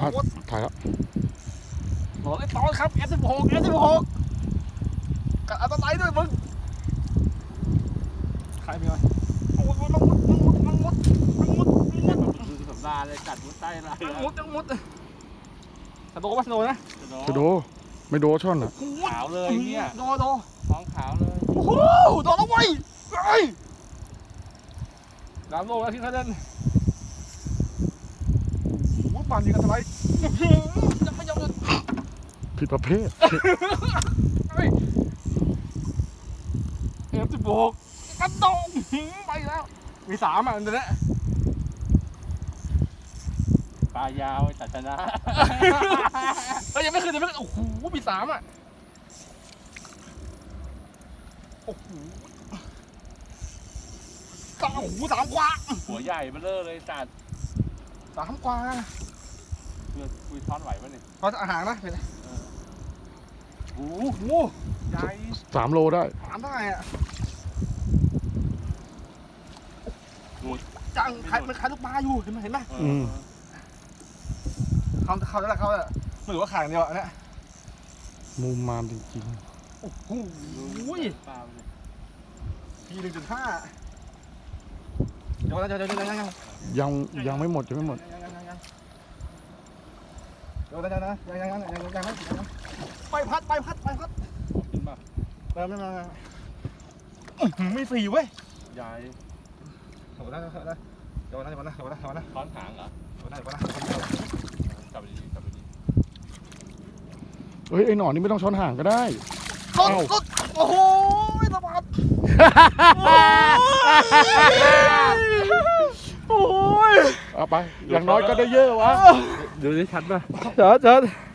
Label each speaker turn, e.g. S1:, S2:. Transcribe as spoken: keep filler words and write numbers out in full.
S1: ถ่ายแล้ว
S2: โหไอ้ตอนครับ เอฟ สิบหก เอฟ สิบหก กัดอันตรายด้วยมึงใครมีอะไรโอ้ยมันมุดมันมุดมันมุดมันมุดมันมุด
S3: ดูสัปดาห์เลยกัดมุดใต้อะไร
S2: มันมุดมันมุดสโดว์ป่ะสโดว์นะ
S1: จะโดไม่โดช่อนอ่ะ
S3: ขาวเลยเนี่ย
S2: โดโด
S3: ท้องขาวเลย
S2: โอ้โหโดนแล้วเว้ยเฮ้ยน้ำโลแล้วที่เขาเล่นมุดปั่นยิงกันทำไมยังไม่ยอมเลย
S1: ผิดประเภท
S2: เฮ้ยเอฟสิบหกกระโดดไปแล้วมีสามอ่ะอันนี้
S3: ปลายาวตัดชนะ
S2: เฮ้ยยังไม่เคยยังไม่เคยโอ้โหมีสามอ่ะโอ้โหสามโอ้โหสามกว่า
S3: หัวใหญ่เบ้อเร่อเลยจัด
S2: สามกว่า
S3: เพื่อคุยท้อนไหวป่ะเนี่ย
S2: พออาหารนะเป็นไง
S3: โอ้
S2: โอ้โหใหญ่
S1: สามโลได้
S2: สามได้อ่ะจังใครมันใครลูกปลาอยู่เห็นไหมเห็นไหม
S1: อืม
S2: เขาเขาแล้วเขาอ่ะไม่รู้ว่าขายเดียวอันเนี้ย
S1: มุมมามจริง
S2: โอ้โห
S3: ปลาเนี่ย
S2: พีหนึ่งจุดห้าเดี๋ยวนะเดี๋ยวเดี๋ยวเดี๋ยวยังยัง
S1: ๆยังยังไม่หมดยังไม่หมด
S2: ยังยังยังยังเดี๋ยวนะเดี๋ยวนะยังยังยังยังยังยังยังไปพัดไปพัดไปพัด
S3: ขึ้นมา
S2: เริ่มเริ่มเริ่มไม่สี่เว้ย
S3: ใหญ่
S2: เดี๋ยวนะเดี๋ยวนะเดี๋ยวนะเดี๋ยวนะเดี๋ยวนะเดี๋ยวนะ
S3: ท้อนหางเหรอ
S2: เดี๋ยวนะเดี๋ยวนะ
S3: จับไปดีจับไปดี
S1: เฮ้ยไอ้หนอนนี่ไม่ต้องช้อนห่างก็ได้
S2: รถรถโอ้โหสะบัดโอ้ย
S1: เอาไปอย่างน้อยก็ได้เยอะวะ
S3: ดูได้ชัดป่ะ
S2: เจิดเจิด